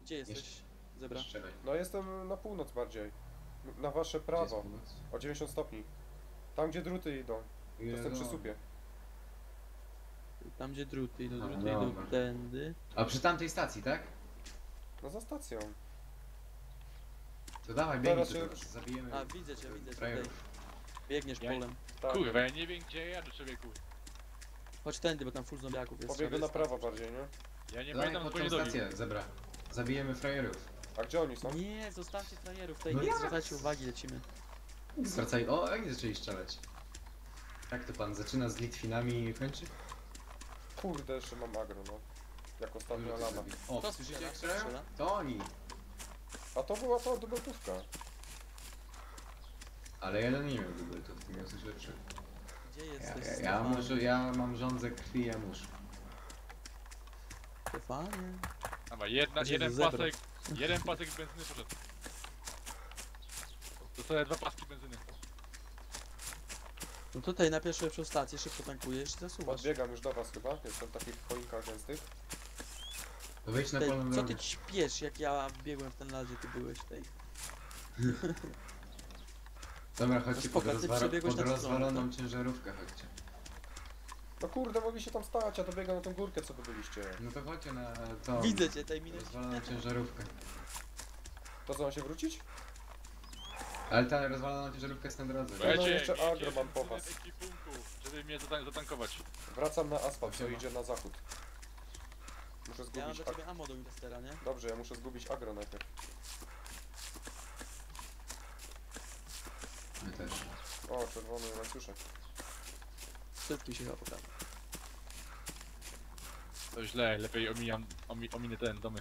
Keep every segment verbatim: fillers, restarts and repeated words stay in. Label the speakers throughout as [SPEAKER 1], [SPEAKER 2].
[SPEAKER 1] Gdzie jesteś,
[SPEAKER 2] Jeszcze-
[SPEAKER 1] Zebra?
[SPEAKER 2] Strzelaj.
[SPEAKER 3] No jestem na północ bardziej. Na wasze
[SPEAKER 2] Gdzie jest
[SPEAKER 3] prawo.
[SPEAKER 2] północ?
[SPEAKER 3] O dziewięćdziesiąt stopni. Tam gdzie druty idą. To jestem przy
[SPEAKER 2] Jezu.
[SPEAKER 3] supie.
[SPEAKER 1] Tam gdzie druty idą,
[SPEAKER 2] No,
[SPEAKER 1] druty idą
[SPEAKER 2] dobra.
[SPEAKER 1] tędy.
[SPEAKER 2] A przy tamtej stacji, tak?
[SPEAKER 3] No za stacją.
[SPEAKER 2] To dawaj,
[SPEAKER 3] Teraz
[SPEAKER 2] biegnij
[SPEAKER 3] się-
[SPEAKER 2] tu teraz, zabijemy.
[SPEAKER 1] A, widzę cię, widzę cię tutaj.
[SPEAKER 2] frajerów.
[SPEAKER 1] Biegniesz
[SPEAKER 4] Ja-
[SPEAKER 1] polem.
[SPEAKER 3] Tak.
[SPEAKER 4] Kurwa, ja nie wiem gdzie ja do człowieku.
[SPEAKER 1] Chodź tędy, bo tam full zombiaków jest.
[SPEAKER 3] Pobiegłem
[SPEAKER 1] trzeba
[SPEAKER 3] na prawo bardziej, nie?
[SPEAKER 4] Ja nie
[SPEAKER 2] Dawaj
[SPEAKER 4] pamiętam
[SPEAKER 2] pod
[SPEAKER 4] swojej
[SPEAKER 2] tą
[SPEAKER 4] drogi.
[SPEAKER 2] stację, zebra. Zabijemy frajerów.
[SPEAKER 3] A gdzie oni są?
[SPEAKER 1] Nie, zostawcie frajerów, tutaj
[SPEAKER 2] No
[SPEAKER 1] nie
[SPEAKER 2] jak?
[SPEAKER 1] zwracajcie uwagi, lecimy.
[SPEAKER 2] Zwracaj. O, oni zaczęli strzelać. Jak to pan zaczyna z Litwinami i kończy?
[SPEAKER 3] Kurde, jeszcze mam agro, no. Jak ostatnia
[SPEAKER 2] Dużo
[SPEAKER 3] lama.
[SPEAKER 2] zabi- O,
[SPEAKER 1] Kto
[SPEAKER 2] słyszycie
[SPEAKER 1] strzela?
[SPEAKER 2] jak strzelają?
[SPEAKER 1] Strzela?
[SPEAKER 2] To oni.
[SPEAKER 3] A to była ta dubeltówka.
[SPEAKER 2] Ale jeden nie miał dubeltów, ty miał coś lepszego.
[SPEAKER 1] Gdzie
[SPEAKER 2] Ja,
[SPEAKER 1] jesteś,
[SPEAKER 2] ja, ja,
[SPEAKER 1] Stefanie?
[SPEAKER 2] muszę, ja mam rządzę krwi, ja muszę.
[SPEAKER 1] Stefanie?
[SPEAKER 4] Dobra, jedna,
[SPEAKER 1] Gdzie
[SPEAKER 4] jeden
[SPEAKER 1] jest zebra?
[SPEAKER 4] pasek, jeden pasek benzyny poszedł. To są dwa paski benzyny.
[SPEAKER 1] No tutaj na pierwszą lepszą stację szybko tankujesz i zasuwasz.
[SPEAKER 3] Podbiegam już do was chyba. Jestem w takich choinkach gęstych.
[SPEAKER 2] To wejdź na
[SPEAKER 1] Tej,
[SPEAKER 2] polną
[SPEAKER 1] co
[SPEAKER 2] drogę.
[SPEAKER 1] ty śpiesz, jak ja biegłem w ten las, gdzie ty byłeś tej.
[SPEAKER 2] Dobra, chodźcie pod,
[SPEAKER 1] spoko, ty
[SPEAKER 2] rozwa
[SPEAKER 1] przebiegłeś
[SPEAKER 2] pod
[SPEAKER 1] na tą stronę,
[SPEAKER 2] rozwaloną ciężarówkę, chodźcie.
[SPEAKER 3] No kurde, mogliście tam stać, a to biegam na tą górkę, co wy byliście.
[SPEAKER 2] No to chodźcie na to.
[SPEAKER 1] Widzę cię, tej minę.
[SPEAKER 2] Rozwaloną ciężarówkę.
[SPEAKER 3] To co, mam się wrócić?
[SPEAKER 2] Ale ta rozwalona ciężarówka jest na drodze.
[SPEAKER 3] no
[SPEAKER 4] Słuchajcie,
[SPEAKER 3] jeszcze
[SPEAKER 4] miejcie
[SPEAKER 3] agro mam po
[SPEAKER 4] benzyny
[SPEAKER 3] was.
[SPEAKER 4] w ekwipunku, żeby mnie zatan zatankować.
[SPEAKER 3] Wracam na asfalt, co
[SPEAKER 2] Siema.
[SPEAKER 3] idzie na zachód. Muszę
[SPEAKER 1] Ja mam
[SPEAKER 3] zgubić
[SPEAKER 1] dla
[SPEAKER 3] agro.
[SPEAKER 1] ciebie ammo do Winchestera, nie?
[SPEAKER 3] Dobrze, ja muszę zgubić agro najpierw.
[SPEAKER 2] My też.
[SPEAKER 3] O, czerwony łańcuszek.
[SPEAKER 1] Szybki się chyba pokazał.
[SPEAKER 4] To źle, lepiej omijam, omi, ominę ten domy.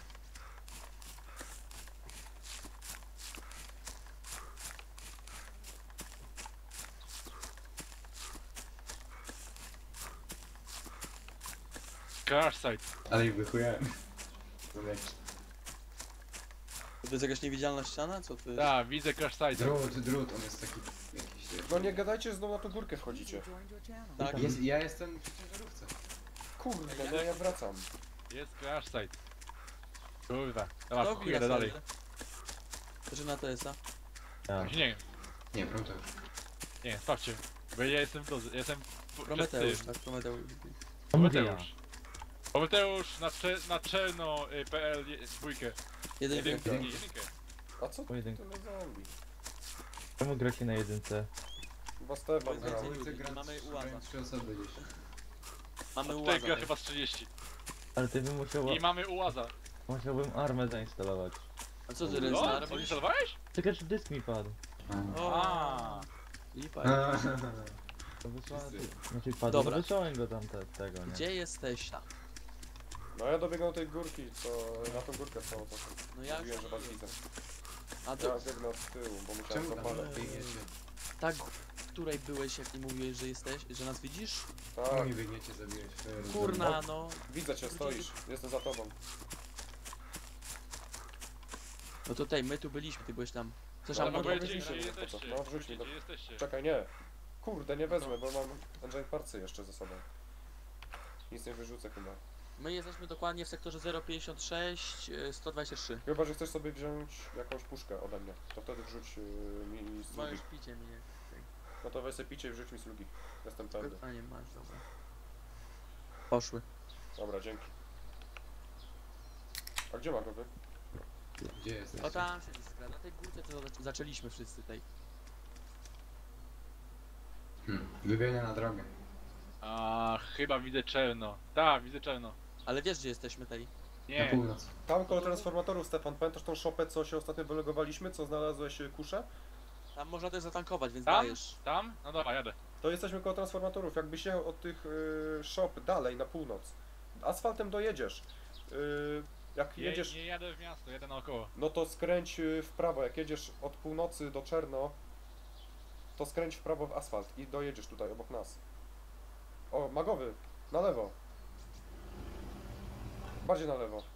[SPEAKER 4] Crash site.
[SPEAKER 2] Ale ich wychujałem. Zobacz.
[SPEAKER 1] To jest jakaś niewidzialna ściana? Co ty?
[SPEAKER 4] Tak, widzę crash site.
[SPEAKER 2] Drut, drut, on jest taki jakiś...
[SPEAKER 3] No nie gadajcie, że znowu na tą górkę wchodzicie.
[SPEAKER 1] Tak.
[SPEAKER 2] Jest, ja jestem przy ciężarówce.
[SPEAKER 3] Kurde, no ja wracam.
[SPEAKER 4] Jest crash site. Kurwa. Dobra,
[SPEAKER 1] To
[SPEAKER 4] chuj, jadę dalej.
[SPEAKER 1] Że na T S A.
[SPEAKER 4] Tak. Nie,
[SPEAKER 2] Nie, Prometeusz.
[SPEAKER 4] nie, sprawdźcie. Bo ja jestem w drodze, ja jestem p-
[SPEAKER 1] Prometeusz,
[SPEAKER 4] przed tym.
[SPEAKER 1] tak, Prometeusz.
[SPEAKER 4] Prometeusz. Prometeusz na, cze na czerno y, P L je- dwójkę.
[SPEAKER 1] Jedynkę.
[SPEAKER 4] Jedynkę, nie, jedynkę.
[SPEAKER 3] A co ty
[SPEAKER 5] Pojedynku.
[SPEAKER 3] tyle zombie?
[SPEAKER 5] Czemu gracie na jedynce?
[SPEAKER 3] Chyba Stefan
[SPEAKER 1] Więcej
[SPEAKER 3] grał.
[SPEAKER 1] ludzi.
[SPEAKER 2] Dwójce gra
[SPEAKER 1] Mamy
[SPEAKER 2] trzy-
[SPEAKER 1] ułaza.
[SPEAKER 2] grają trzy osoby gdzieś.
[SPEAKER 1] Mamy
[SPEAKER 4] A tutaj
[SPEAKER 1] ułaza.
[SPEAKER 4] gra chyba z trzydzieści.
[SPEAKER 5] Ale ty bym musiał,
[SPEAKER 4] I mamy ułaza.
[SPEAKER 5] musiałbym armę zainstalować.
[SPEAKER 1] A co ty,
[SPEAKER 4] No,
[SPEAKER 1] Renstar?
[SPEAKER 4] co instalowałeś?
[SPEAKER 5] Czekaj, czy dysk mi padł.
[SPEAKER 1] O,
[SPEAKER 4] A.
[SPEAKER 1] lipa.
[SPEAKER 5] To wysłałem,
[SPEAKER 2] Wszyscy.
[SPEAKER 5] znaczy padł,
[SPEAKER 1] Dobra.
[SPEAKER 5] no wysłałem go tam te, tego, nie?
[SPEAKER 1] Gdzie jesteś tam?
[SPEAKER 3] No ja dobiegam do tej górki, co na tą górkę są. To
[SPEAKER 1] No ja
[SPEAKER 3] mówiłem,
[SPEAKER 1] już...
[SPEAKER 3] że was widzę.
[SPEAKER 1] A
[SPEAKER 3] Ja
[SPEAKER 1] to
[SPEAKER 3] biegnę od tyłu, bo musiałem
[SPEAKER 2] Czemu tam
[SPEAKER 3] zapalać.
[SPEAKER 2] biegniecie?
[SPEAKER 1] tak, w której byłeś, jak nie mówiłeś, że jesteś, że nas widzisz?
[SPEAKER 3] Tak,
[SPEAKER 2] Czemu nie biegniecie zabijać frajerów?
[SPEAKER 1] Kurna, no.
[SPEAKER 3] widzę cię, stoisz. Jestem za tobą.
[SPEAKER 1] No tutaj, my tu byliśmy, ty byłeś tam. Chcesz
[SPEAKER 3] Ale
[SPEAKER 1] ammo?
[SPEAKER 3] mogę
[SPEAKER 4] powiedzcie,
[SPEAKER 3] wrócić,
[SPEAKER 4] gdzie
[SPEAKER 3] no to co?
[SPEAKER 4] jesteście.
[SPEAKER 3] No, wrzuć mi
[SPEAKER 4] Powiedzcie,
[SPEAKER 3] do-
[SPEAKER 4] gdzie jesteście.
[SPEAKER 3] Czekaj, nie. Kurde, nie wezmę, bo mam engine parcy jeszcze ze sobą. Nic nie wyrzucę chyba.
[SPEAKER 1] My jesteśmy dokładnie w sektorze zero pięćdziesiąt sześć, y, sto dwadzieścia trzy.
[SPEAKER 3] Chyba, że chcesz sobie wziąć jakąś puszkę ode mnie. To wtedy wrzuć yy, mi slugi.
[SPEAKER 1] Możesz picie mnie.
[SPEAKER 3] No to weź sobie picie i wrzuć mi slugi. Jestem pewny.
[SPEAKER 1] A nie masz, dobra. Poszły.
[SPEAKER 3] Dobra, dzięki. A gdzie Magowy?
[SPEAKER 2] Gdzie jesteście?
[SPEAKER 1] O tam się skra, na tej górce to zac- zaczęliśmy wszyscy tej.
[SPEAKER 2] Hmm. Wybiegnie na drogę.
[SPEAKER 4] A chyba widzę czerno. Tak, widzę czerno.
[SPEAKER 1] Ale wiesz gdzie jesteśmy tej?
[SPEAKER 2] Na
[SPEAKER 4] Nie.
[SPEAKER 2] północ.
[SPEAKER 3] Tam koło transformatorów, Stefan. Pamiętasz tą szopę, co się ostatnio wylegowaliśmy? Co znalazłeś y, kuszę?
[SPEAKER 1] Tam można też zatankować, więc
[SPEAKER 4] Tam?
[SPEAKER 1] dajesz.
[SPEAKER 4] Tam? No dobra, jadę.
[SPEAKER 3] To jesteśmy koło transformatorów. Jakbyś jechał od tych y, shop dalej na północ. Asfaltem dojedziesz. Y, jak
[SPEAKER 4] Nie,
[SPEAKER 3] jedziesz,
[SPEAKER 4] nie jadę w miasto, jadę naokoło.
[SPEAKER 3] no to skręć y, w prawo. Jak jedziesz od północy do Czerno, to skręć w prawo w asfalt i dojedziesz tutaj obok nas. O, Magowy, na lewo. Bardziej na lewo.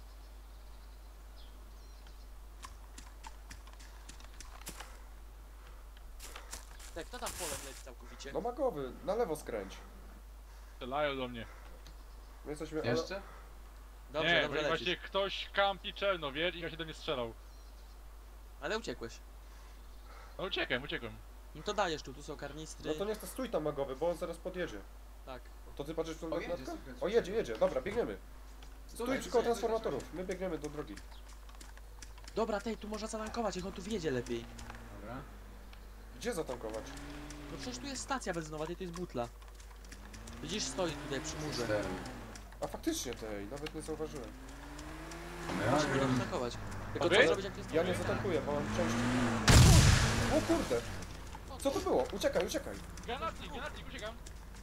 [SPEAKER 1] Tak, kto tam polem leci całkowicie?
[SPEAKER 3] No Magowy, na lewo skręć.
[SPEAKER 4] Strzelają do mnie.
[SPEAKER 3] My jesteśmy... ale-
[SPEAKER 2] Jeszcze?
[SPEAKER 1] Dobrze,
[SPEAKER 4] nie,
[SPEAKER 1] dobrze
[SPEAKER 4] bo
[SPEAKER 1] lecisz.
[SPEAKER 4] właśnie ktoś kampi czerno, wiesz, i ja się do mnie strzelał.
[SPEAKER 1] Ale uciekłeś.
[SPEAKER 4] No uciekłem, uciekłem.
[SPEAKER 1] No to dajesz tu, tu są karnistry.
[SPEAKER 3] No to niech to stój tam magowy, bo on zaraz podjedzie.
[SPEAKER 1] Tak.
[SPEAKER 3] To ty patrzysz w tą
[SPEAKER 2] O, jedzie,
[SPEAKER 3] lornetkę?
[SPEAKER 2] słychać,
[SPEAKER 3] O, jedzie, jedzie, dobra, biegniemy. Stój
[SPEAKER 2] Tutaj,
[SPEAKER 3] przy koło
[SPEAKER 2] tutaj,
[SPEAKER 3] transformatorów, my biegniemy do drogi.
[SPEAKER 1] Dobra, tej, tu można zatankować, niech on tu wjedzie lepiej.
[SPEAKER 2] Dobra.
[SPEAKER 3] Gdzie zatankować?
[SPEAKER 1] No przecież tu jest stacja benzynowa, tej to jest butla. Widzisz, stoi tutaj przy murze.
[SPEAKER 2] Cztery.
[SPEAKER 3] A faktycznie tej, nawet nie zauważyłem.
[SPEAKER 1] Musimy go zatankować. Tylko
[SPEAKER 4] Dobry?
[SPEAKER 1] co zrobić, jak to jest
[SPEAKER 3] Ja nie zatankuję, bo mam części. O kurde! Co to było? Uciekaj, uciekaj!
[SPEAKER 4] Granatnik, granatnik, uciekam.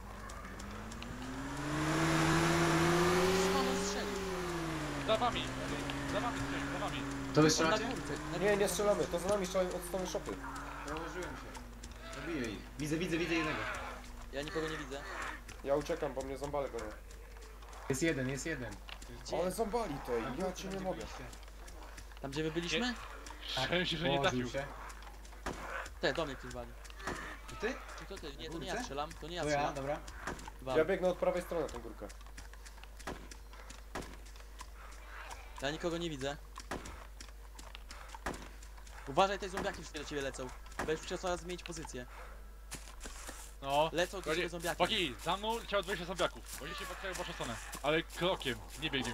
[SPEAKER 1] Skąd on strzelił?
[SPEAKER 4] Za wami, za wami, za wami.
[SPEAKER 2] To wy
[SPEAKER 1] On na
[SPEAKER 2] strzelacie?
[SPEAKER 1] górce. na
[SPEAKER 3] Nie,
[SPEAKER 1] górce.
[SPEAKER 3] nie strzelamy, to za nami strzelają od strony szopy.
[SPEAKER 2] Założyłem się. Zabiję ich. Widzę, widzę, widzę jednego.
[SPEAKER 1] Ja nikogo nie widzę.
[SPEAKER 3] Ja uciekam, bo mnie zombale gonią.
[SPEAKER 2] Jest jeden, jest jeden.
[SPEAKER 1] Gdzie?
[SPEAKER 3] Ale zombali tej, ja cię nie mogę.
[SPEAKER 1] Tam gdzie my byliśmy?
[SPEAKER 4] Szczęście, że nie
[SPEAKER 2] Położył
[SPEAKER 4] trafił.
[SPEAKER 2] się.
[SPEAKER 1] Te, do mnie ktoś wali.
[SPEAKER 2] To ty?
[SPEAKER 1] Czy to ty? Nie, to
[SPEAKER 2] Na
[SPEAKER 1] nie ja
[SPEAKER 2] górce?
[SPEAKER 1] strzelam, to nie ja
[SPEAKER 2] To ja,
[SPEAKER 1] strzelam.
[SPEAKER 2] dobra.
[SPEAKER 1] Wal.
[SPEAKER 3] Ja biegnę od prawej strony na tą górkę.
[SPEAKER 1] Ja nikogo nie widzę. Uważaj, te zombiaki wszystkie do ciebie lecą. Będziesz musiał coraz zmienić pozycję.
[SPEAKER 4] No.
[SPEAKER 1] Lecą do ciebie
[SPEAKER 4] Chodzi-
[SPEAKER 1] zombiaki.
[SPEAKER 4] Chłopaki, za mną leciało dwadzieścia zombiaków. Oni się patrzyli w waszą stronę. Ale krokiem, nie biegiem.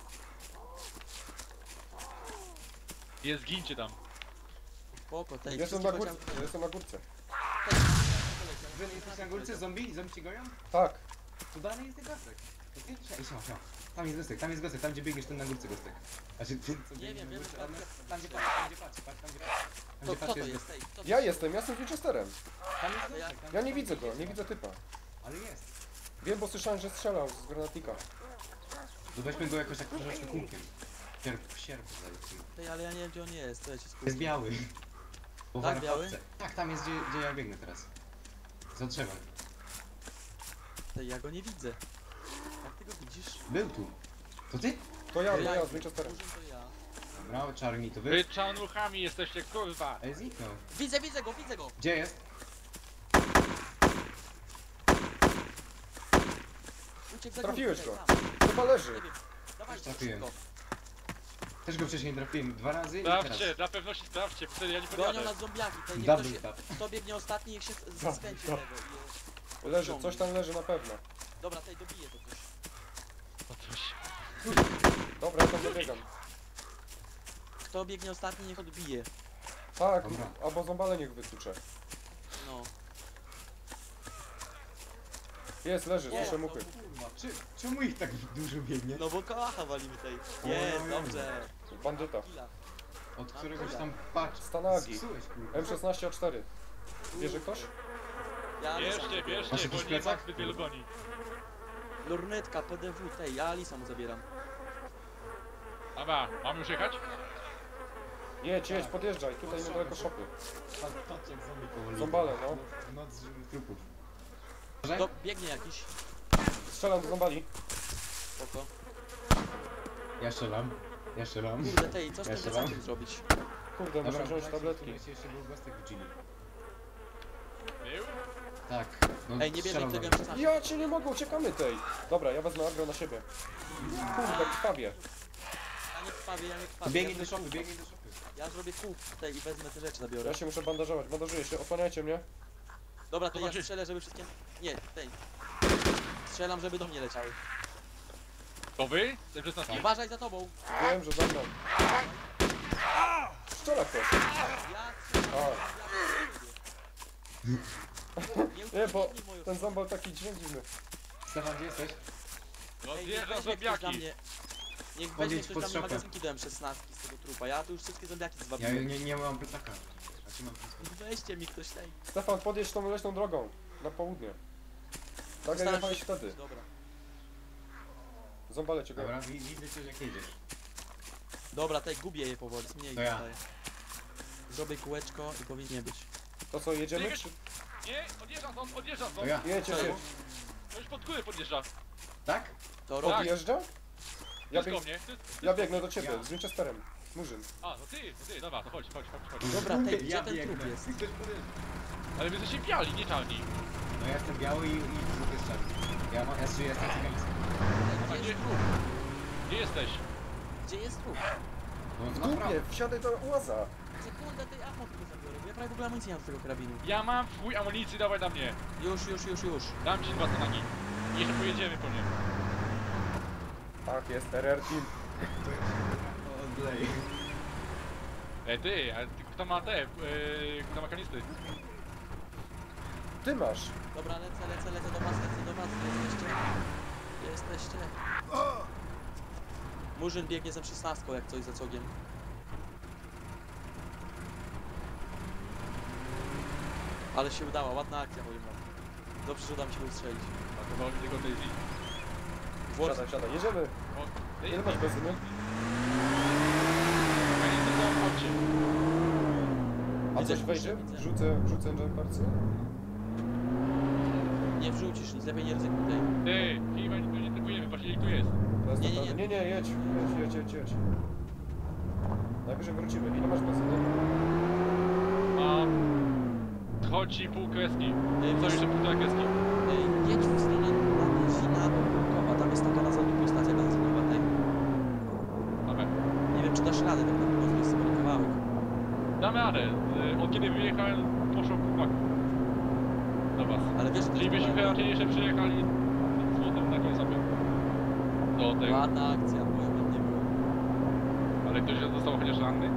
[SPEAKER 4] Nie zgincie tam.
[SPEAKER 1] Spoko, tej,
[SPEAKER 3] Jestem
[SPEAKER 1] wszystkie
[SPEAKER 3] na górce,
[SPEAKER 1] chociaż-
[SPEAKER 3] jestem na górce.
[SPEAKER 1] tej,
[SPEAKER 2] Wy jesteście na górce zombie? Zombie ci goją?
[SPEAKER 3] Tak,
[SPEAKER 2] Tu dalej jest ten gostek. To ty? Ej, siema, siema. Tam jest gostek, tam jest gostek, tam gdzie biegniesz, ten na górce gostek. Znaczy, ty, co
[SPEAKER 1] Nie
[SPEAKER 2] biegniesz
[SPEAKER 1] wiem,
[SPEAKER 2] na
[SPEAKER 1] wiem,
[SPEAKER 2] górce,
[SPEAKER 1] że
[SPEAKER 2] ale
[SPEAKER 1] tam-
[SPEAKER 2] tam gdzie patrz, tam gdzie patrz, patrz, tam gdzie patrz. Tam
[SPEAKER 1] To,
[SPEAKER 2] gdzie
[SPEAKER 1] kto
[SPEAKER 2] patrz
[SPEAKER 1] to
[SPEAKER 2] jest
[SPEAKER 1] jest? Tej, kto to
[SPEAKER 3] ja
[SPEAKER 1] jest?
[SPEAKER 3] jestem, ja jestem z Winchesterem.
[SPEAKER 2] Tam jest
[SPEAKER 1] To ja-
[SPEAKER 2] gostek, tam
[SPEAKER 3] Ja
[SPEAKER 2] jest
[SPEAKER 3] nie
[SPEAKER 2] gostek,
[SPEAKER 3] widzę go,
[SPEAKER 2] jest
[SPEAKER 3] nie
[SPEAKER 2] tam.
[SPEAKER 3] widzę typa.
[SPEAKER 2] Ale jest.
[SPEAKER 3] Wiem, bo słyszałem, że strzelał z granatnika.
[SPEAKER 2] To weźmy go jakoś tak troszeczkę kółkiem. Sierp, sierp zajęty.
[SPEAKER 1] Tej, ale ja nie wiem gdzie on jest, to ja cię skupię.
[SPEAKER 2] Jest biały. Po
[SPEAKER 1] Tak, biały?
[SPEAKER 2] warkowce. Tak, tam jest gdzie, gdzie ja biegnę teraz. Za drzewem.
[SPEAKER 1] Tej, ja go nie widzę. Jak ty go widzisz?
[SPEAKER 2] Był tu. To ty?
[SPEAKER 3] To ja,
[SPEAKER 1] To
[SPEAKER 3] to
[SPEAKER 1] ja,
[SPEAKER 3] ja z Winchesterem.
[SPEAKER 1] Murzyn to ja.
[SPEAKER 2] Dobra, czarni to wy.
[SPEAKER 4] Wy czanuchami jesteście, kurwa.
[SPEAKER 2] Ej, zniknął.
[SPEAKER 1] Widzę, widzę go, widzę go!
[SPEAKER 2] Gdzie jest?
[SPEAKER 1] Uciekł za
[SPEAKER 3] Trafiłeś
[SPEAKER 1] górkę,
[SPEAKER 3] go.
[SPEAKER 1] tej, tam.
[SPEAKER 3] Chyba leży.
[SPEAKER 1] Nie wiem. Dawaj,
[SPEAKER 2] Trafiłem.
[SPEAKER 1] szybko.
[SPEAKER 2] Też go wcześniej trafiłem dwa razy i teraz.
[SPEAKER 4] Sprawdźcie, dla pewności sprawdźcie, wtedy ja nie
[SPEAKER 1] Gonią
[SPEAKER 4] podjadę.
[SPEAKER 1] nas zombiaki, tej, niech
[SPEAKER 2] Double
[SPEAKER 1] ktoś,
[SPEAKER 2] tap.
[SPEAKER 1] kto biegnie ostatni, niech się z-
[SPEAKER 3] Double
[SPEAKER 1] skręci
[SPEAKER 3] tap.
[SPEAKER 1] lewo. i-
[SPEAKER 3] Leży, coś tam leży na pewno.
[SPEAKER 1] Dobra, tej dobije to coś.
[SPEAKER 4] O coś.
[SPEAKER 3] Dobra, ja tam dobiegam.
[SPEAKER 1] Kto biegnie ostatni, niech odbije.
[SPEAKER 3] Tak,
[SPEAKER 2] Dobra.
[SPEAKER 3] albo zombale niech wytucze.
[SPEAKER 1] No.
[SPEAKER 3] Jest, leży,
[SPEAKER 1] Nie,
[SPEAKER 3] słyszę
[SPEAKER 1] no,
[SPEAKER 3] muchy.
[SPEAKER 2] Kurwa, czy, czemu ich tak dużo biegnie?
[SPEAKER 1] No bo kałacha walimy tej. Jest, dobrze.
[SPEAKER 3] Bandyta.
[SPEAKER 1] Killa.
[SPEAKER 2] Od któregoś tam patrz.
[SPEAKER 3] Stanagi.
[SPEAKER 2] Zepsułeś, kurwa.
[SPEAKER 3] M szesnaście A cztery. Bierze ktoś?
[SPEAKER 1] Ja
[SPEAKER 4] Bierzcie,
[SPEAKER 1] Alisa.
[SPEAKER 2] Masz
[SPEAKER 4] bierzcie,
[SPEAKER 2] jakiś
[SPEAKER 4] bo nie
[SPEAKER 2] plecak?
[SPEAKER 4] ma zbyt wielu goni.
[SPEAKER 1] Lornetka, P D W, tej, ja Alisa mu zabieram.
[SPEAKER 4] Dobra, mam już jechać?
[SPEAKER 3] Jedź, jedź, podjeżdżaj, tutaj niedaleko szopy.
[SPEAKER 2] Patrz, patrz jak zombie powoli.
[SPEAKER 3] Zombale, no.
[SPEAKER 2] Noc żywych trupów.
[SPEAKER 1] To biegnie jakiś.
[SPEAKER 3] Strzelam do zombali.
[SPEAKER 1] Spoko.
[SPEAKER 2] Ja strzelam. Ja strzelam.
[SPEAKER 1] Kurde, tej, co z
[SPEAKER 2] Ja
[SPEAKER 1] tym
[SPEAKER 2] strzelam.
[SPEAKER 1] plecakiem zrobić?
[SPEAKER 3] Kurde, muszę wziąć
[SPEAKER 2] słuchajcie,
[SPEAKER 3] tabletki.
[SPEAKER 2] tu jeszcze był gostek w Gili.
[SPEAKER 4] Był?
[SPEAKER 2] Tak. No,
[SPEAKER 1] Ej, nie bierzemy
[SPEAKER 2] strzelał
[SPEAKER 1] tego
[SPEAKER 2] do
[SPEAKER 1] M
[SPEAKER 2] mnie.
[SPEAKER 1] szesnaście.
[SPEAKER 3] Ja cię nie mogę, uciekamy tej. Dobra, ja wezmę agro na siebie. Kurde, krwawie.
[SPEAKER 1] Ja nie krwawię, ja nie
[SPEAKER 2] To
[SPEAKER 1] krwawię.
[SPEAKER 2] biegnij
[SPEAKER 1] ja
[SPEAKER 2] do
[SPEAKER 1] zrobię
[SPEAKER 2] szopy,
[SPEAKER 1] kół.
[SPEAKER 2] biegnij do szopy.
[SPEAKER 1] Ja zrobię kół tej i wezmę te rzeczy, zabiorę.
[SPEAKER 3] Ja się muszę bandażować, bandażuję się, osłaniajcie mnie.
[SPEAKER 1] Dobra, to ja
[SPEAKER 4] Zobaczy-
[SPEAKER 1] strzelę, żeby wszystkie... Nie, tej. Strzelam, żeby do mnie leciały.
[SPEAKER 4] To wy? Ten szesnastki?
[SPEAKER 1] Uważaj za tobą.
[SPEAKER 3] Wiem, że za mną. Strzela ktoś.
[SPEAKER 1] Ja
[SPEAKER 3] A,
[SPEAKER 1] Nie,
[SPEAKER 3] nie, bo
[SPEAKER 1] ucieknij moją
[SPEAKER 3] ten
[SPEAKER 1] stronę.
[SPEAKER 3] zombal taki dźwięk dziwny.
[SPEAKER 2] Stefan, gdzie jesteś?
[SPEAKER 4] No
[SPEAKER 1] Ej, niech
[SPEAKER 4] zjeżdża
[SPEAKER 1] weźmie ktoś dla
[SPEAKER 4] zombiaki.
[SPEAKER 1] mnie... Niech
[SPEAKER 2] Podjedź
[SPEAKER 1] weźmie ktoś
[SPEAKER 2] pod
[SPEAKER 1] dla mnie
[SPEAKER 2] szopę.
[SPEAKER 1] magazynki do M szesnaście z tego trupa. Ja tu już wszystkie zombiaki
[SPEAKER 2] Ja
[SPEAKER 1] zwabiłem.
[SPEAKER 2] nie, nie mam plecaka. Znaczy mam plecaka.
[SPEAKER 1] Weźcie mi ktoś tej.
[SPEAKER 3] Stefan, podjedź tą leśną drogą. Na południe. Tak jak
[SPEAKER 1] Postaram
[SPEAKER 3] jechałeś
[SPEAKER 1] się-
[SPEAKER 3] wtedy.
[SPEAKER 1] Dobra.
[SPEAKER 3] Zombale cię go.
[SPEAKER 2] Dobra, wi- widzę cię jak jedziesz.
[SPEAKER 1] Dobra, tej gubię je powoli, mniej
[SPEAKER 2] To ja.
[SPEAKER 1] zostaje. Zrobię kółeczko i powinien być.
[SPEAKER 3] To co, jedziemy? Czy...
[SPEAKER 4] Nie, odjeżdża stąd, odjeżdża
[SPEAKER 2] To
[SPEAKER 4] stąd.
[SPEAKER 2] ja.
[SPEAKER 3] Jedź, jedź,
[SPEAKER 1] Co?
[SPEAKER 3] jedź.
[SPEAKER 4] To już pod górę podjeżdża.
[SPEAKER 2] Tak?
[SPEAKER 1] To robi.
[SPEAKER 3] Odjeżdża? Ja,
[SPEAKER 4] Jest
[SPEAKER 3] bieg...
[SPEAKER 4] do mnie. Ty-
[SPEAKER 3] ja biegnę do ciebie,
[SPEAKER 2] Ja.
[SPEAKER 3] z Winchesterem. Murzyn.
[SPEAKER 4] A, to ty, to ty, dobra, to chodź, chodź, chodź, chodź.
[SPEAKER 1] Dobra, tej, gdzie
[SPEAKER 2] Ja
[SPEAKER 1] ten
[SPEAKER 2] biegnę.
[SPEAKER 1] trup jest?
[SPEAKER 2] Ktoś podjeżdża.
[SPEAKER 4] Ale wy jesteście biali, nie czarni.
[SPEAKER 2] No ja jestem biały i, i trup jest czarny. Ja, ma, ja, ja jestem cygański.
[SPEAKER 1] Gdzie jest trup?
[SPEAKER 4] Gdzie jesteś?
[SPEAKER 1] Gdzie jest trup?
[SPEAKER 2] No,
[SPEAKER 3] W
[SPEAKER 2] na prawo.
[SPEAKER 3] dupie, wsiadaj do łaza.
[SPEAKER 1] Sekundę, tej ammo tylko zabiorę, bo ja prawie w ogóle amunicji nie mam z tego karabinu.
[SPEAKER 4] Ja mam w chuj amunicji, dawaj na mnie.
[SPEAKER 1] Już, już, już, już.
[SPEAKER 4] Dam ci dwa stanagi. I jeszcze pojedziemy po nie.
[SPEAKER 3] Tak, jest R R Team.
[SPEAKER 2] Odlej.
[SPEAKER 4] Ej ty, a ty, kto ma te, yy, kto ma kanisty?
[SPEAKER 3] Ty masz.
[SPEAKER 1] Dobra, lecę, lecę, lecę do was, lecę do was, gdzie jesteście? Gdzie jesteście? Murzyn biegnie za szesnastką jak coś za cogiem. Ale się udała, ładna akcja powiem wam. Dobrze, że uda mi się go ustrzelić.
[SPEAKER 4] A to woli tylko Daisy.
[SPEAKER 1] Włos...
[SPEAKER 3] Siadaj, siadaj, jedziemy.
[SPEAKER 4] O,
[SPEAKER 3] Ile masz benzyny?
[SPEAKER 4] Kanisty są w aucie.
[SPEAKER 3] A
[SPEAKER 1] Widzę,
[SPEAKER 3] coś wejdzie?
[SPEAKER 1] widzę.
[SPEAKER 3] Wrzucę, wrzucę jumpercy?
[SPEAKER 1] Nie wrzucisz, nic lepiej nie ryzykuj tej.
[SPEAKER 4] Ty, chyba tu nie typujemy, patrz ile tu jest.
[SPEAKER 3] To jest
[SPEAKER 1] Nie,
[SPEAKER 3] nie,
[SPEAKER 1] nie,
[SPEAKER 3] nie,
[SPEAKER 1] nie.
[SPEAKER 3] nie, nie, jedź, jedź, jedź, jedź, jedź. Najwyżej wrócimy. Ile masz benzyny?
[SPEAKER 4] Mam... Chodzi pół kreski.
[SPEAKER 1] Ej,
[SPEAKER 4] Co
[SPEAKER 1] wiesz-
[SPEAKER 4] jeszcze półtora kreski?
[SPEAKER 1] Ej, jedź w stronę Nadezina do Kurkowa, tam jest taka na zadupiu stacja benzynowa tej.
[SPEAKER 4] Mamy.
[SPEAKER 1] Nie wiem czy dasz radę, tak na pewno jest sobie kawałek.
[SPEAKER 4] Damy radę. Y, Od kiedy wyjechałem, poszło pół do was.
[SPEAKER 1] Ale wiesz, że to
[SPEAKER 4] Czyli
[SPEAKER 1] jest
[SPEAKER 4] byśmy
[SPEAKER 1] kawałek.
[SPEAKER 4] raczej jeszcze przyjechali z złotem na takiej sobie. Do tego.
[SPEAKER 1] Ładna akcja, powiem wam, nie było.
[SPEAKER 4] Ale ktoś został chociaż ranny?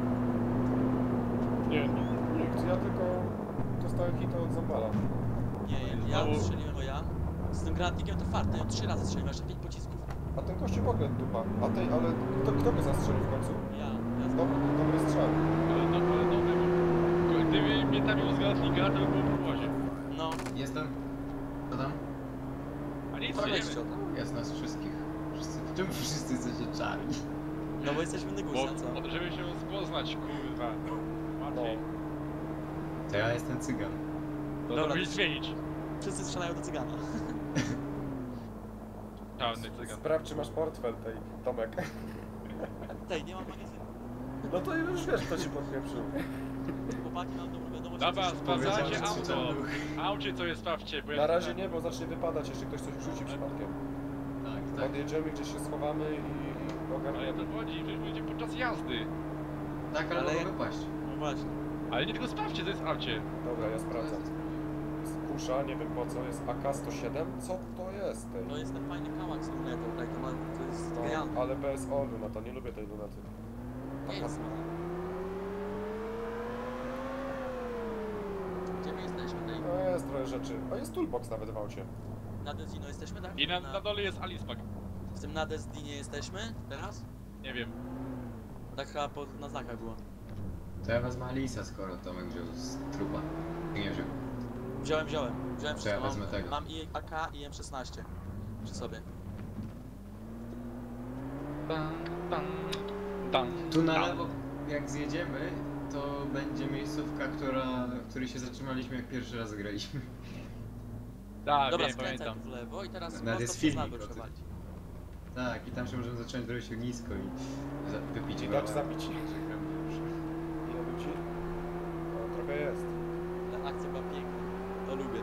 [SPEAKER 3] Nie, nikt. Ja tylko dostałem hita od Zambala.
[SPEAKER 1] Nie, ja
[SPEAKER 4] Znowu-
[SPEAKER 1] strzeliłem, bo ja. Z tym granatnikiem to fart, ja trzy razy strzeliłem, jeszcze pięć pocisków.
[SPEAKER 3] A ten gościu w ogóle dupa. A tej, ale kto, kto go zastrzelił w końcu?
[SPEAKER 1] Ja, ja
[SPEAKER 3] Dobry, dobry strzał.
[SPEAKER 4] Ale no, ale dobry, bo gdyby mnie tam z granatnika, to by było po głosie.
[SPEAKER 1] No,
[SPEAKER 2] Jestem. Co tam?
[SPEAKER 4] A nic,
[SPEAKER 1] to
[SPEAKER 4] nie
[SPEAKER 1] weźcie
[SPEAKER 4] wiemy.
[SPEAKER 1] o to.
[SPEAKER 2] Jest nas wszystkich. Wszyscy. Czemu wszyscy jesteście czarni?
[SPEAKER 1] No bo jesteśmy Nygusa, co?
[SPEAKER 4] Bo, żeby się poznać, kurwa. Łatwiej.
[SPEAKER 2] To ja jestem cygan.
[SPEAKER 4] To
[SPEAKER 1] Dobra,
[SPEAKER 4] to musisz
[SPEAKER 1] to-
[SPEAKER 4] zmienić.
[SPEAKER 1] Wszyscy strzelają do cygana.
[SPEAKER 4] Czarny cygan.
[SPEAKER 3] Sprawdź, czy masz portfel tej, Tomek.
[SPEAKER 1] Tej, nie mam magazynu.
[SPEAKER 3] No to już wiesz, kto ci podpieprzył.
[SPEAKER 1] Chłopaki, mam dobrą wiadomość.
[SPEAKER 4] Dobra,
[SPEAKER 1] że coś-
[SPEAKER 4] sprawdzajcie
[SPEAKER 2] Powiedziałem, że
[SPEAKER 4] auto.
[SPEAKER 2] krzyczałem.
[SPEAKER 4] Aucie co jest, sprawdźcie, bo ja
[SPEAKER 3] Na razie nie, bo zacznie wypadać, jeśli ktoś coś rzuci przypadkiem.
[SPEAKER 2] Tak, tak.
[SPEAKER 3] Podjedziemy, gdzieś się schowamy i, i
[SPEAKER 4] Ale to
[SPEAKER 3] ogarniemy.
[SPEAKER 4] chodzi, przecież będzie podczas jazdy.
[SPEAKER 2] Tak, ale,
[SPEAKER 1] Ale
[SPEAKER 2] ale
[SPEAKER 1] jak-
[SPEAKER 2] mogę paść.
[SPEAKER 1] No właśnie.
[SPEAKER 4] Ale nie tylko sprawdźcie, to jest w aucie.
[SPEAKER 3] Dobra, ja sprawdzam. Jest kusza, nie wiem po co, jest A K sto siedem. Co to jest? Tej?
[SPEAKER 1] To jest ten fajny kałak z lunetą, tak, to, ma, to jest
[SPEAKER 3] No,
[SPEAKER 1] genialne.
[SPEAKER 3] ale B S O lunata, nie lubię tej lunaty.
[SPEAKER 1] Nie jest zła. Gdzie my jesteśmy? Tej...
[SPEAKER 3] No jest trochę rzeczy. A jest toolbox nawet w aucie.
[SPEAKER 1] Na Desdino jesteśmy, tak?
[SPEAKER 4] I na, na dole jest Alispak.
[SPEAKER 1] W tym na Desdinie jesteśmy teraz?
[SPEAKER 4] Nie wiem.
[SPEAKER 1] Tak chyba po, na znakach było.
[SPEAKER 2] To ja wezmę Alisa, skoro Tomek wziął z trupa. Ty nie wziął.
[SPEAKER 1] Wziąłem, wziąłem. Wziąłem
[SPEAKER 2] To ja
[SPEAKER 1] wszystko.
[SPEAKER 2] wezmę tego.
[SPEAKER 1] Mam i A K i M szesnaście przy sobie.
[SPEAKER 4] Tan, tan, tan,
[SPEAKER 2] Tu na
[SPEAKER 4] tan.
[SPEAKER 2] lewo, jak zjedziemy, to będzie miejscówka, która, w której się zatrzymaliśmy, jak pierwszy raz graliśmy.
[SPEAKER 4] Tak,
[SPEAKER 1] Dobra,
[SPEAKER 4] wiem,
[SPEAKER 1] skręcaj
[SPEAKER 4] pamiętam.
[SPEAKER 1] tu w lewo i teraz
[SPEAKER 2] Nawet
[SPEAKER 1] prosto
[SPEAKER 2] jest
[SPEAKER 1] przez
[SPEAKER 2] filmik
[SPEAKER 1] nago
[SPEAKER 2] o tym.
[SPEAKER 1] przewalić.
[SPEAKER 2] Tak, i tam się możemy zacząć robić ognisko i za- wypić
[SPEAKER 3] I
[SPEAKER 2] browar.
[SPEAKER 3] dać zabić. Ile ludzi? No, trochę jest.
[SPEAKER 1] Ta akcja była piękna. To lubię.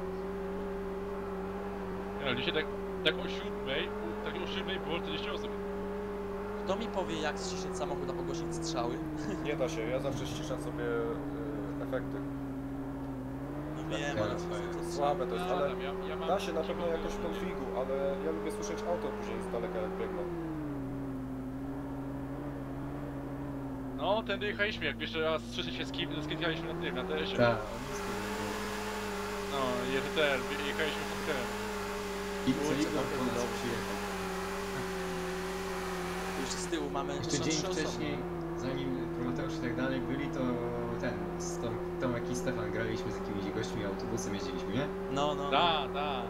[SPEAKER 4] No, dzisiaj tak, tak o siódmej, tak o siódmej było czterdzieści osób.
[SPEAKER 1] Kto mi powie jak ściszyć samochód, a pogłosić strzały?
[SPEAKER 3] Nie da się, ja zawsze ściszam sobie y, efekty.
[SPEAKER 1] No
[SPEAKER 2] Tak,
[SPEAKER 1] wiem,
[SPEAKER 2] tak,
[SPEAKER 1] ale
[SPEAKER 2] tak.
[SPEAKER 1] to jest
[SPEAKER 3] Słabe to jest,
[SPEAKER 4] Ja,
[SPEAKER 3] ale
[SPEAKER 4] tam, ja, ja mam
[SPEAKER 3] da się na pewno
[SPEAKER 4] taką-
[SPEAKER 3] jakoś w konfigu, ale ja lubię słyszeć auto później z daleka jak biegną.
[SPEAKER 4] No, tędy jechaliśmy, jak jeszcze raz słyszeć się z kim, skierowaliśmy na tym, na teresie.
[SPEAKER 2] Tak, ognisko.
[SPEAKER 4] No, i ten, jechaliśmy z tym.
[SPEAKER 2] I co
[SPEAKER 1] Kurczę,
[SPEAKER 2] Igor
[SPEAKER 1] to
[SPEAKER 2] po nas
[SPEAKER 1] dobrze.
[SPEAKER 2] przyjechał.
[SPEAKER 1] Już z tyłu mamy
[SPEAKER 2] Jeszcze
[SPEAKER 1] są
[SPEAKER 2] dzień
[SPEAKER 1] trzy osoby.
[SPEAKER 2] wcześniej, zanim Prometeusz i tak dalej byli, to ten, z Tom, Tomek i Stefan graliśmy z jakimiś gośćmi autobusem, jeździliśmy, nie?
[SPEAKER 1] No, no.
[SPEAKER 4] Da, da.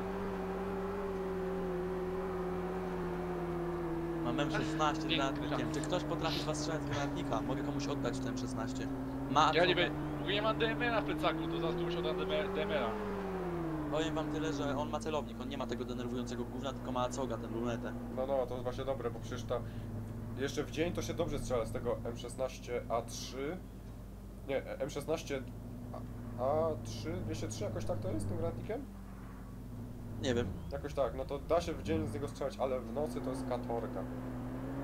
[SPEAKER 1] Mam M szesnaście z
[SPEAKER 4] Piękny
[SPEAKER 1] granatnikiem.
[SPEAKER 4] żart.
[SPEAKER 1] Czy ktoś potrafi z was strzelać z granatnika? Mogę komuś oddać ten M szesnaście. Ma
[SPEAKER 4] Ja nie
[SPEAKER 1] Arzoga.
[SPEAKER 4] wiem, w ogóle nie mam D M R-a w plecaku, to zaraz tu muszę oddać D M R-a.
[SPEAKER 1] Powiem wam tyle, że on ma celownik, on nie ma tego denerwującego gówna, tylko ma Acoga, ten lunetę.
[SPEAKER 3] No, no, to jest właśnie dobre, bo przecież tam jeszcze w dzień to się dobrze strzela z tego M szesnaście A trzy. Nie, M szesnaście A trzy, dwieście trzy jakoś tak to jest z tym granatnikiem?
[SPEAKER 1] Nie wiem.
[SPEAKER 3] Jakoś tak, no to da się w dzień z niego strzelać, ale w nocy to jest katorga.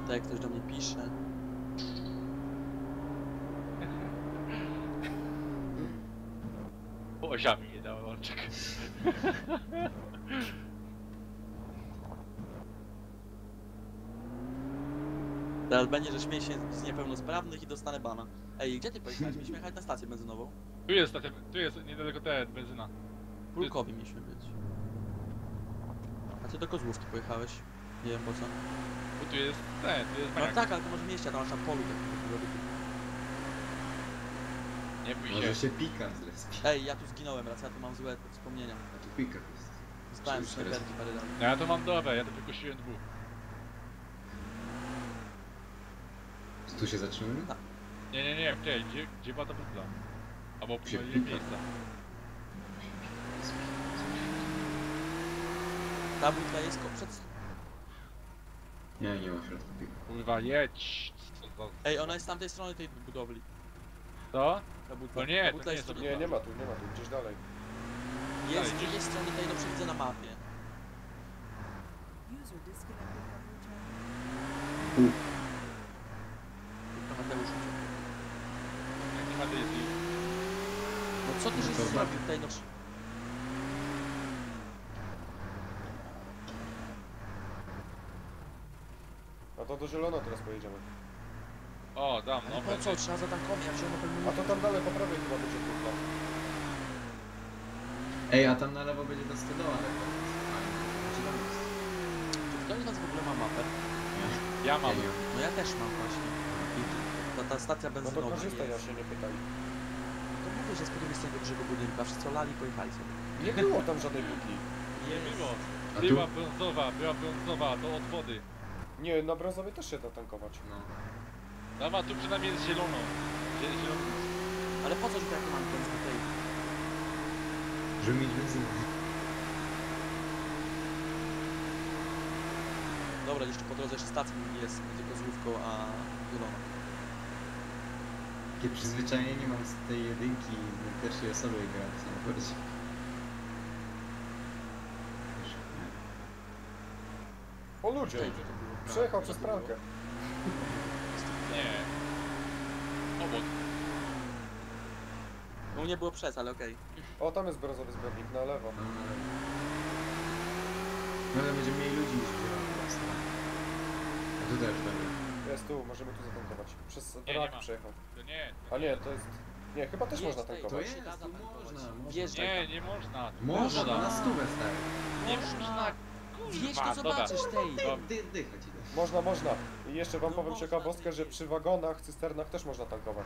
[SPEAKER 1] Tutaj ktoś do mnie pisze.
[SPEAKER 4] Osiami nie dałem łączek.
[SPEAKER 1] Teraz będzie, że śmieję się z niepełnosprawnych i dostanę bana. Ej, gdzie ty pojechałeś? Mieliśmy jechać na stację benzynową.
[SPEAKER 4] Tu jest, stacja- tu jest niedaleko ten, benzyna.
[SPEAKER 1] Pulkowi mieliśmy być. A ty do Kozłówki pojechałeś. Nie wiem po co.
[SPEAKER 4] Bo tu jest ten, tu jest
[SPEAKER 1] No
[SPEAKER 4] maniak.
[SPEAKER 1] tak, ale to może mieście, tam masz na polu tak.
[SPEAKER 4] Nie bój
[SPEAKER 2] Może
[SPEAKER 4] się.
[SPEAKER 2] się pikant zrespi.
[SPEAKER 1] Ej, ja tu zginąłem raz, ja tu mam złe wspomnienia.
[SPEAKER 2] Taki pikant jest.
[SPEAKER 1] Zostałem
[SPEAKER 2] Czyli
[SPEAKER 1] snajperki parę razy.
[SPEAKER 4] No ja to mam dobre, ja to wykosiłem dwóch.
[SPEAKER 2] Tu się zatrzymujemy?
[SPEAKER 1] Tak.
[SPEAKER 4] Nie, nie, nie, gdzie, gdzie, gdzie była ta butla? Albo
[SPEAKER 2] Gdzie
[SPEAKER 4] pomylili
[SPEAKER 2] butla?
[SPEAKER 4] miejsca.
[SPEAKER 1] Ta butla jest ko- przed...
[SPEAKER 2] Nie, nie ma w środku pika.
[SPEAKER 4] Kurwa, jedź! Co za...
[SPEAKER 1] Ej, ona jest z tamtej strony tej budowli.
[SPEAKER 4] Co?
[SPEAKER 1] Ta butla.
[SPEAKER 4] No nie,
[SPEAKER 1] ta
[SPEAKER 4] to
[SPEAKER 1] butla
[SPEAKER 4] nie
[SPEAKER 1] jest
[SPEAKER 4] jest
[SPEAKER 1] tu-
[SPEAKER 3] Nie, nie ma tu, nie ma tu, gdzieś dalej.
[SPEAKER 1] Jest,
[SPEAKER 4] Dalej,
[SPEAKER 1] jest strony tej, no przewidzę na mapie.
[SPEAKER 6] User disconnected from your channel.
[SPEAKER 1] Tylko Mateusz uciekł.
[SPEAKER 4] Jak nie ma dyski.
[SPEAKER 1] No co ty
[SPEAKER 2] No
[SPEAKER 1] żeś
[SPEAKER 2] to
[SPEAKER 1] zrobił tutaj, no...
[SPEAKER 3] A to do zielono teraz pojedziemy.
[SPEAKER 4] O, dam,
[SPEAKER 1] Ale
[SPEAKER 4] no
[SPEAKER 1] po co? Trzeba zatankować, jak się ono pełni...
[SPEAKER 3] A to tam dalej po prawej chyba będzie kurwa.
[SPEAKER 2] Ej, a tam na lewo będzie ta stodoła, ale to jest fajnie. Znaczy tam jest.
[SPEAKER 1] Czy ktoś z was w ogóle ma mapę?
[SPEAKER 4] ja mam.
[SPEAKER 2] Ja nie mam.
[SPEAKER 1] No ja też mam właśnie. I ta, ta stacja
[SPEAKER 3] No to
[SPEAKER 1] benzynowa
[SPEAKER 3] korzystaj, ja
[SPEAKER 1] jest.
[SPEAKER 3] się nie pytaj.
[SPEAKER 1] To mówię, że z po drugiej stronie tego dużego budynku, a wszyscy olali i pojechali sobie.
[SPEAKER 3] Nie było tam żadnej butli.
[SPEAKER 4] Nie było.
[SPEAKER 2] A tu?
[SPEAKER 4] Była brązowa, była brązowa, to od wody.
[SPEAKER 3] Nie, na brązowej też się da tankować.
[SPEAKER 2] No.
[SPEAKER 4] Dawa, tu przynajmniej jest zielono. Zie- Zielono.
[SPEAKER 1] Ale po co, że jak mam benzyn tej?
[SPEAKER 2] Żeby mieć benzynę.
[SPEAKER 1] Dobra, jeszcze po drodze jeszcze stacja jest między Kozłówką a Zieloną.
[SPEAKER 2] Takie przyzwyczajenie mam z tej jedynki, na pierwszej osobie grałem w samochodzie. Wiesz, nie.
[SPEAKER 3] O ludzie!
[SPEAKER 1] Tutaj, gdzie to było?
[SPEAKER 3] Przejechał
[SPEAKER 1] Co
[SPEAKER 3] przez
[SPEAKER 1] to było?
[SPEAKER 3] pralkę.
[SPEAKER 4] Nie. Obok.
[SPEAKER 1] No nie było przez, ale okej.
[SPEAKER 3] O, tam jest brązowy zbiornik, na lewo.
[SPEAKER 2] No, ale... No ale będzie mniej ludzi niż w zielonym właśnie. A tu też dobra.
[SPEAKER 3] Jest tu, możemy tu zatankować. Przez
[SPEAKER 4] nie
[SPEAKER 3] brak
[SPEAKER 4] ma.
[SPEAKER 3] przejechał.
[SPEAKER 4] To nie.
[SPEAKER 3] A nie, to jest... Nie, chyba też
[SPEAKER 1] Jest
[SPEAKER 3] można
[SPEAKER 1] tej-
[SPEAKER 3] tankować.
[SPEAKER 1] się
[SPEAKER 2] jest,
[SPEAKER 1] da
[SPEAKER 2] tu
[SPEAKER 1] zatankować.
[SPEAKER 2] można, można.
[SPEAKER 1] Wjeżdżaj
[SPEAKER 4] Nie,
[SPEAKER 1] tam.
[SPEAKER 4] nie można.
[SPEAKER 2] Można,
[SPEAKER 4] Można.
[SPEAKER 2] na stówę stary.
[SPEAKER 4] Nie
[SPEAKER 1] Można.
[SPEAKER 4] można.
[SPEAKER 1] Wjeźdź
[SPEAKER 4] Kurwa,
[SPEAKER 1] to
[SPEAKER 4] dobra.
[SPEAKER 1] zobaczysz tej.
[SPEAKER 4] Dobra.
[SPEAKER 2] Dy, dycha ci da.
[SPEAKER 3] Można, można. I jeszcze wam
[SPEAKER 1] No
[SPEAKER 3] powiem
[SPEAKER 1] można,
[SPEAKER 3] ciekawostkę,
[SPEAKER 1] ty
[SPEAKER 3] że
[SPEAKER 1] wiesz.
[SPEAKER 3] przy wagonach, cysternach też można tankować.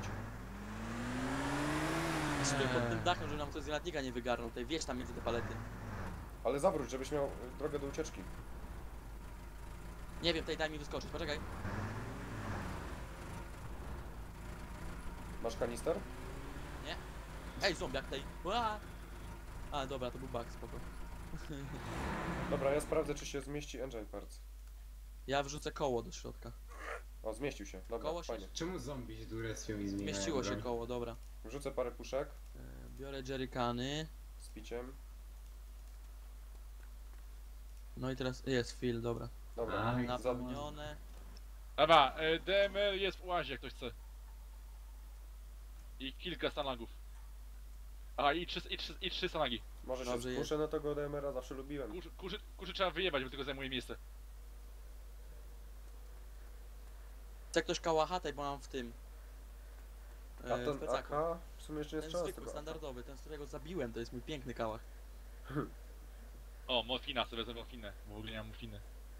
[SPEAKER 1] Stoję pod tym
[SPEAKER 5] Eee.
[SPEAKER 1] dachem, żeby nam ktoś z granatnika nie wygarnął. Tutaj wjeźdź tam między te palety.
[SPEAKER 3] Ale zawróć, żebyś miał y, drogę do ucieczki.
[SPEAKER 1] Nie wiem, tej daj mi wyskoczyć, poczekaj.
[SPEAKER 3] Masz kanister?
[SPEAKER 1] Ej, zombiak tej. Ła! A, dobra, to był bug, spoko.
[SPEAKER 3] Dobra, ja sprawdzę, czy się zmieści engine parts.
[SPEAKER 1] Ja wrzucę koło do środka.
[SPEAKER 3] O, zmieścił się. Dobra,
[SPEAKER 1] Koło się-
[SPEAKER 3] fajnie.
[SPEAKER 2] Czemu zombie się durestią i zmieniają
[SPEAKER 1] Zmieściło się
[SPEAKER 2] broń?
[SPEAKER 1] koło, dobra.
[SPEAKER 3] Wrzucę parę puszek
[SPEAKER 1] E, Biorę jerrycany.
[SPEAKER 3] z piciem.
[SPEAKER 1] No i teraz jest fill, dobra.
[SPEAKER 3] Dobra.
[SPEAKER 2] Aj,
[SPEAKER 1] Napełnione.
[SPEAKER 4] Dobra, e, D M R jest w łazie, jak ktoś chce. I kilka stanagów. A i trzy, i trzy, i trzy stanagi.
[SPEAKER 3] Może
[SPEAKER 1] Dobrze
[SPEAKER 3] się
[SPEAKER 1] jest.
[SPEAKER 3] skuszę na tego D M R a, zawsze lubiłem.
[SPEAKER 4] Kurzy, kurzy, kurzy trzeba wyjebać, bo tylko zajmuje miejsce.
[SPEAKER 1] Chce ktoś kałacha tej, bo mam w tym.
[SPEAKER 3] A
[SPEAKER 1] E, w
[SPEAKER 3] ten
[SPEAKER 1] plecaku.
[SPEAKER 3] A K w sumie jeszcze nie
[SPEAKER 1] Ten
[SPEAKER 3] strzela z
[SPEAKER 1] zwykły,
[SPEAKER 3] tego A K.
[SPEAKER 1] standardowy, ten z którego zabiłem, to jest mój piękny kałach.
[SPEAKER 4] O, morfina, sobie wezmę morfinę, bo w ogóle nie mam morfiny.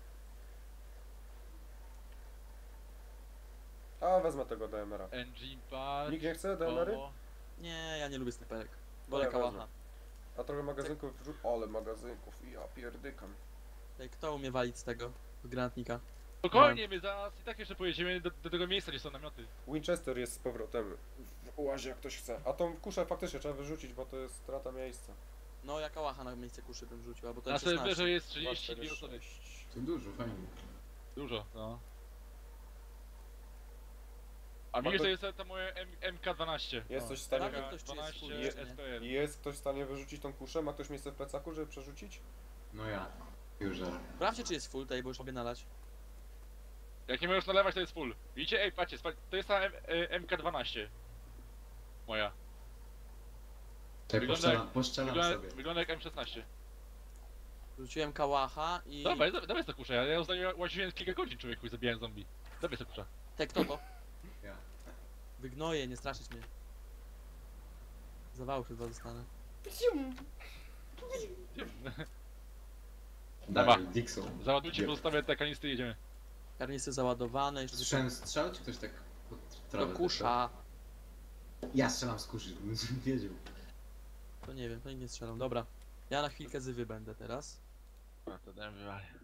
[SPEAKER 3] A, wezmę tego D M R a.
[SPEAKER 4] Engine part.
[SPEAKER 3] Nikt nie chce D M R y?
[SPEAKER 4] koło.
[SPEAKER 1] Nie, ja nie lubię snajperek. Wolę
[SPEAKER 3] ja
[SPEAKER 1] kałacha.
[SPEAKER 3] wezmę. A trochę magazynków wrzu- Ale magazynków, ja pierdykam.
[SPEAKER 1] Ej, kto umie walić z tego? Z granatnika?
[SPEAKER 4] Spokojnie, my zaraz i tak jeszcze pojedziemy do, do tego miejsca, gdzie są namioty.
[SPEAKER 3] Winchester jest z powrotem w łazie, jak ktoś chce. A tą kuszę faktycznie trzeba wyrzucić, bo to jest strata miejsca.
[SPEAKER 1] No ja kałacha na miejsce kuszy bym rzucił, albo to
[SPEAKER 4] Na
[SPEAKER 1] M szesnaście.
[SPEAKER 4] serwerze jest
[SPEAKER 3] dwa,
[SPEAKER 4] trzydzieści
[SPEAKER 3] cztery,
[SPEAKER 4] dwie osoby.
[SPEAKER 3] sześć.
[SPEAKER 2] To dużo, fajnie.
[SPEAKER 4] Dużo, no. A
[SPEAKER 3] Ma
[SPEAKER 4] widzisz,
[SPEAKER 3] to-
[SPEAKER 4] to jest ta moje M- M K dwanaście.
[SPEAKER 3] Jest
[SPEAKER 1] O,
[SPEAKER 3] coś w stanie...
[SPEAKER 1] sprawdzę, ktoś, czy jest
[SPEAKER 4] dwanaście
[SPEAKER 1] full, czy nie.
[SPEAKER 4] S P L.
[SPEAKER 3] Jest ktoś w stanie wyrzucić tą kuszę? Ma ktoś miejsce w plecaku, żeby przerzucić?
[SPEAKER 2] No ja. Już zaraz.
[SPEAKER 1] Sprawdźcie, czy jest full tej, bo już lubię nalać.
[SPEAKER 4] Jak nie możesz nalewać, to jest full. Widzicie? Ej, patrzcie, spa- to jest ta M- y, M K dwanaście. Moja.
[SPEAKER 2] Czekaj,
[SPEAKER 4] Wygląda
[SPEAKER 2] poszczelam,
[SPEAKER 4] jak-
[SPEAKER 2] poszczelam
[SPEAKER 4] Wygląda,
[SPEAKER 2] sobie.
[SPEAKER 4] wygląda jak M szesnaście.
[SPEAKER 1] Rzuciłem kałacha i...
[SPEAKER 4] Dawaj, dawaj, dawaj to kusza, ja, ja ostatnio łaziłem kilka godzin człowieku i zabijałem zombie. Dawaj to kusza.
[SPEAKER 1] Te, kto to?
[SPEAKER 2] Ja.
[SPEAKER 1] Wygnoję, nie straszyć mnie. Zawału chyba dostanę.
[SPEAKER 4] Dobra.
[SPEAKER 2] Dawaj, Dixon.
[SPEAKER 4] Załadujcie,
[SPEAKER 2] Gdzie?
[SPEAKER 4] pozostawię te kanistry i jedziemy.
[SPEAKER 1] Karnisy załadowane, jeszcze
[SPEAKER 2] Słyszałem strzał, czy ktoś tak pod
[SPEAKER 1] do
[SPEAKER 2] trawę
[SPEAKER 1] kusza.
[SPEAKER 2] weszł? Ja strzelam z kuszy, żebym wiedział.
[SPEAKER 1] To nie wiem, to nie strzelam. Dobra. Ja na chwilkę zywy będę teraz.
[SPEAKER 4] A, to dałem wywalić.